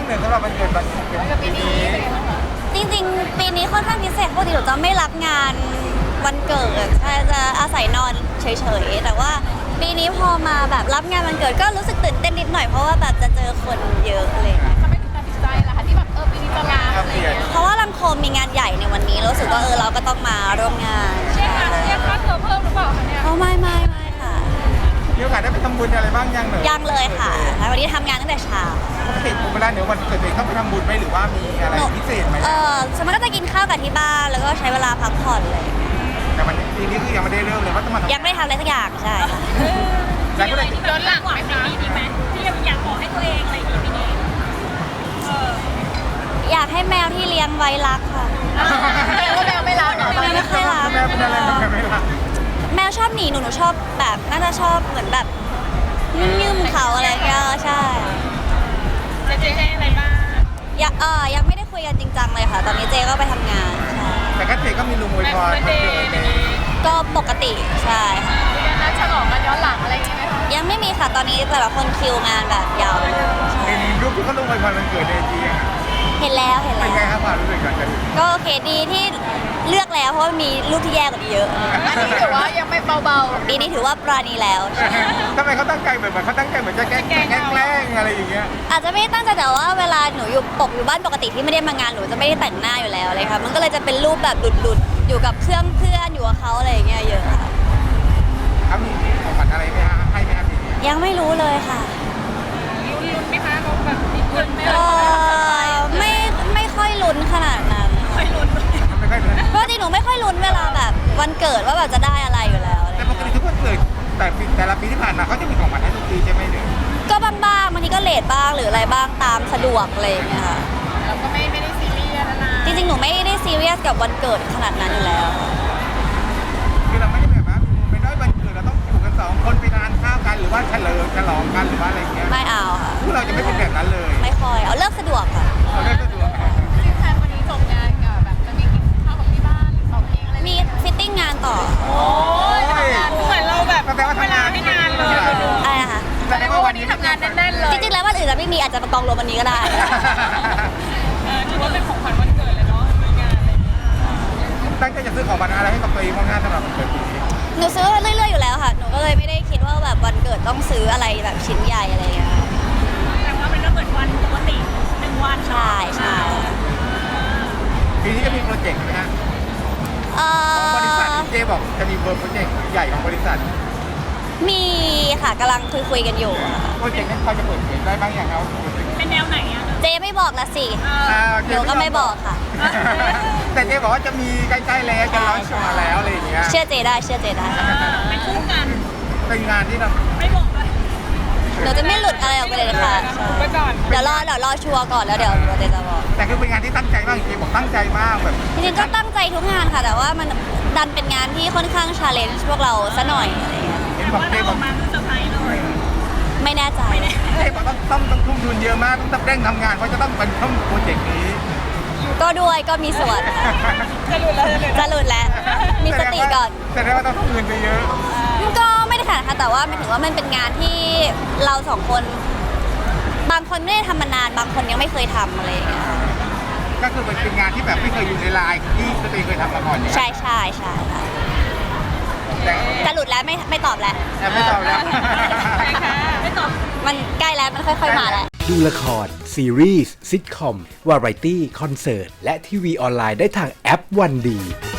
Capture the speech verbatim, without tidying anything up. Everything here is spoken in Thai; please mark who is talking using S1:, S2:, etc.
S1: หนึ่งสำหรับวันเกิดวันปีนี้
S2: จริงๆปีนี้ค่อนข้างพิเศษปกติหนูจะไม่รับงานวันเกิดใช่จะอาศัยนอนเฉยๆแต่ว่าปีนี้พอมาแบบรับงานวันเกิดก็รู้สึกตื่นเต้นนิดหน่อยเพราะว่าแบบจะเจอคนเยอะเลย
S3: ทำไมถึงตัดสินใจล่ะคะที่แบบเออปีนี้จะลาอะไรอย่างเงี้ย
S2: เพราะว่าลังโคมมีงานใหญ่ในวันนี้รู้สึกว่าเออเราก็ต้องมาร่วมงาน
S3: เรียกค่าเรียกค่าตัวเพิ่มหรือเปล่าคะเนี่ย
S2: โอ้ไม่ไม่ไม่ค่ะ
S1: มีโอกาสได้ไปทำบุญอะไรบ้างยังหนึ่ง
S2: ยังเลยค่ะแล้ววันนี้ทำงานตั้งแต่เช้า
S1: ปกติเวลาเดี๋ยววันเกิดเองต้องไปทำบุญไหมหรือว่ามีอะไรพิเศษไหม
S2: เออสมมติก็จะกินข้าวกับที่บ้านแล้วก็ใช้เวลาพักผ่อนเลย
S1: แต่วันปีนี้คือยังไม่ได้เริ่มเลยว่าต้องมาทำ
S2: ยังไม่ได้ทำอะไรสักอย่างใช่ค่ะ
S1: แล้วก็เลย
S3: ย้อนหลังไหมคะปีนี้ไหมที่อยากบอกให้ตัวเองอะไรอย่างงี้ปีนี้เออ
S2: อยากให้แมวที่เลี้ยงไว้รักค่ะ
S3: แปลว่าแมวไม่รักเหรอ
S2: แมวไม่ค่อยรัก
S1: แม่เป็นอะไรแม่ไม่รัก
S2: แมวชอบหนีหนูหนูชอบแบบน่าจะชอบเหมือนแบบยืมๆเขาอะไรเงี้ยใช่
S3: จะเจ๊อะไรบ้าง
S2: ยังเออยังไม่ได้คุยกันจริงจังเลยค่ะ ตอนนี้เจก็ไปทำงานใช่
S1: แต่ก็เจก็มีลุงอวยพรวันเกิดเลย
S2: ก็ปกติใช่ค่ะ
S3: มีการนัดฉลองกันย้อนหลังอะไรอย่างงี้ไหมคะ
S2: ยังไม่มีค่ะตอนนี้แต่ละคนคิวงานแบบยาวเลยใช่
S1: เห็นรูปที่เขาลุงอวยพรวันเกิดในจีอะ
S2: เห็นแล้วเห็น
S1: เป็
S2: แล้
S1: นไง
S2: ว
S1: ครับความรู้สึกก่อนจะถึง
S2: ก็โอเคดีที่เลือกแล้วเพราะว่ามีรูปที่แย่กว่านี้เยอะ
S3: อันนี้ถือว่ายังไม่เบาๆ
S2: ปีนี้ถือว่าปราณีแล้ว
S1: ทำไมเขาตั้งใจเหมือนเขาตั้งใจเหมือนจะแกล้งแกล้งอะไรอย่างเงี้ย
S2: อาจจะไม่ได้ตั้งใจแต่ว่าเวลาหนูอยู่ปกอยู่บ้านปกติที่ไม่ได้มางานหนูจะไม่ได้แต่งหน้าอยู่แล้วเลยค่ะมันก็เลยจะเป็นรูปแบบหลุดๆอยู่กับเครื่องเพื่อนอยู่กับเขาอะไรอย่างเงี้ยเยอะค่ะ
S1: เขามีของขวัญอะไรไหมฮะให้ไหมครับปีนี้
S2: ยังไม่รู้เลยค่ะ
S3: ลุ้นๆไหมคะเขาแบบมีลุ้นไหม
S2: เออไม่ไม่ค่อยลุ้นขนาดนั้น
S3: ไม่ลุ้นเลย
S1: ไม่ค่อยเป็น
S2: เพราะจริงหนูไม่ค่อยลุ้นเวลาแบบวันเกิดว่าแบบจะได้อะไรอยู่แล้วอะไร
S1: แต่ปกติทุกวันเกิดแต่ปีแต่ละปีที่ผ่านมาเขาจะมีของขวัญให้ทุกปีใช่ไหมเนี่ย
S2: ก็บ้างๆบางทีก็เลทบ้างหรืออะไรบ้างตามสะดวกอะไรอย่างเงี้ยค่ะ
S3: เราก็ไม่ไม่ได้ซีเรียสนะ
S2: จริงๆหนูไม่ได้ซีเรียสกับวันเกิดขนาดนั้นอยู่แล้ว
S1: คือเราไม่ได้แบบว่าไม่ได้วันเกิดเราต้องอยู่กันสองคนไปทานข้าวกันหรือว่าเฉลิมฉลองกันหรือว่าอะไรอย่างเงี้ย
S2: ไม่เอาค่ะ
S1: พวกเราจะไม่เป็นแบบนั้นเลย
S2: ไม่ค่อยเอาเลิกสะดวกค่ะ
S1: เราได้สะดวก
S3: จริงๆแทนวันนี้จบงานกับแบบจะมีกินข้าวของที่บ้านออกเองอะไร
S2: มีฟิตติ้งงานต่อ
S3: โอ้ยทำงานเหมือนเราแบบ
S1: แสดงว่าทำงาน
S3: ไม่นานเลย
S2: อะไรนะคะ
S1: แสดงว่าวันนี้
S3: ทำงานแน่นๆเลย
S2: จริงๆแล้ววันอื่นจะไม่มีอาจจะมากองรวมวันนี้ก็ได้
S3: เออถือว่าเป็นของขวัญวันเกิดเลยเนาะมีงานอะไรอย่างเงี้ย
S1: ตั้งใจจะซื้อของขวัญอะไรให้กับตัวเองบ้างงานสำหรับวันเกิดปีนี้
S2: หนูซื้อเรื่อยๆอยู่แล้วค่ะ หนูก็เลยไม่ได้คิดว่าแบบวันเกิดต้องซื้ออะไรแบบชิ้นใหญ่อะไรอย่างเงี้ย
S3: แต่ว่าเป็นก็เหมือนวันปกติหนึ่งวัน
S2: ใช่ใช่
S1: ปีนี้จะมีโปรเจกต์ไหมฮะ
S2: เอ่
S1: บริษัท
S2: อ
S1: เจบอกจะมีโปรเจกต์ใหญ่ของบริษัท
S2: มีค่ะกำลังคุยคุยๆกันอยู่อะค่ะ
S1: โปรเจกต์นั้นเขาจะเปิดเผยได้บ้างอย่างครับ
S3: เป็นแนวไหนอ่ะ
S2: เจไม่บอกละสิ
S1: อ่า
S2: หนูก็ไม่บอกค่ะ
S1: แต่เจบอกว่าจะมีใกล้ๆแล้วจะร้อนชมาแล้วอะไรอย่างเงี้ย
S2: เชื่อเจได้เชื่อเจได้
S3: เป็นคู่กัน
S1: เป็นงานที่เรา
S3: ไม่บอกเลย
S2: หนูจะไม่หลุดอะไรออกไปเลยนะคะ
S3: ไปก่อน
S2: เดี๋ยวรอเดี๋ยวรอชัวร์ก่อนแล้วเดี๋ยวเดี๋ยวเจจะบอก
S1: แต่คือเป็นงานที่ตั้งใจมากจริงๆบอกตั้งใจมากแบบ
S2: จริงๆก็ตั้งใจทุกงานค่ะ แต่ว่ามันดันเป็นงานที่ค่อนข้างชาเลนจ์พวกเราซะหน่อยอะไรอย่างเงี้ย
S1: เห็นบอกเจบอก
S3: มาคือเซอร์ไพรส์เลย
S2: ไม่แน่ใจ
S1: เจบอกต้องต้องต้องทุ่มทุนเยอะมากต้องเร่งทำงานเพราะจะต้องเป็นต้องโปรเจกต์นี้
S2: ก็ด้วยก็มีส่วน
S3: จะหลุดแล้วจะหลุด
S2: จะหลุดแล้ว มีสติก่อน
S1: แสดงว่าต้องทุ่มเงินไปเยอะ
S2: ก็ไม่ได้ขนาดค่ะแต่ว่าหมายถึงว่ามันเป็นงานที่เราสองคน บางคนไม่ได้ทำมานาน บางคนยังไม่เคยทำอะไรอย่างเงี้ย
S1: ก็คือมันเป็นงานที่แบบไม่เคยอยู่ในไลน์ที่ตัวเองเคยทำมาก่อนเนี่ย
S2: ใช่ใช่ใช่ค่ะ
S1: แต่
S2: จะหลุดแล้วไม่ไม่ตอบแล้ว
S1: แต่ไม่ตอบแล้ว
S3: ใช่ค่ะไม่ตอบ
S2: มันใกล้แล้วมันค่อยๆมาแล้ว
S4: ดูละคร ซีรีส์ซิทคอม วาไรตี้ คอนเสิร์ต และทีวีออนไลน์ได้ทางแอปวันดี